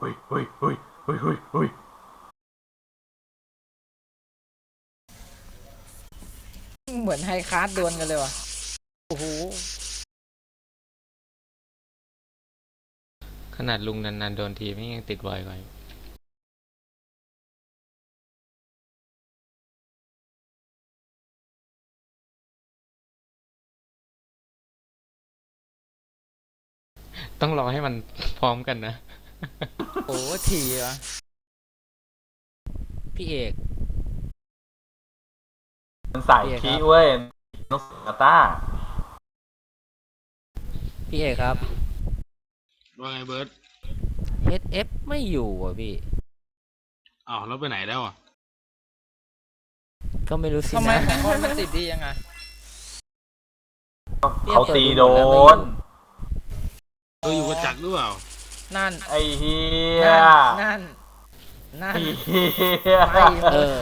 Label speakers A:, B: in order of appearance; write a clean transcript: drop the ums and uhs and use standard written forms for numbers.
A: เฮ้ยเฮ้ยเฮ้ยเฮ้ยเฮ้ยเฮ้ย
B: เหมือนไฮคาร์ดดวลกันเลยว่ะโอ้โห
C: ขนาดลุงนานๆโดนทีไม่ยังติดบ่อยกว่าต้องรอให้มันพร้อมกันนะ
B: โอ้ทีวะพี่เอก
A: มันใส่คีเว้ยนกกาต้า
B: พี่เอกครับ
D: ว่าไงเบิร์ต
B: SF ไม่อยู่อ่ะพี่
D: อ้าวแล้วไปไหนแล้วอ่ะ
B: ก็ไม่รู้สินะ
E: ทำไมของคนมันติดดียังไง
A: เขาตีโดน
D: อยู่กับจักรหรือเปล่า
E: นั่น
A: ไอ้เฮีย
E: นั่น
A: ไอ้เฮีย
E: ไม่
B: เออ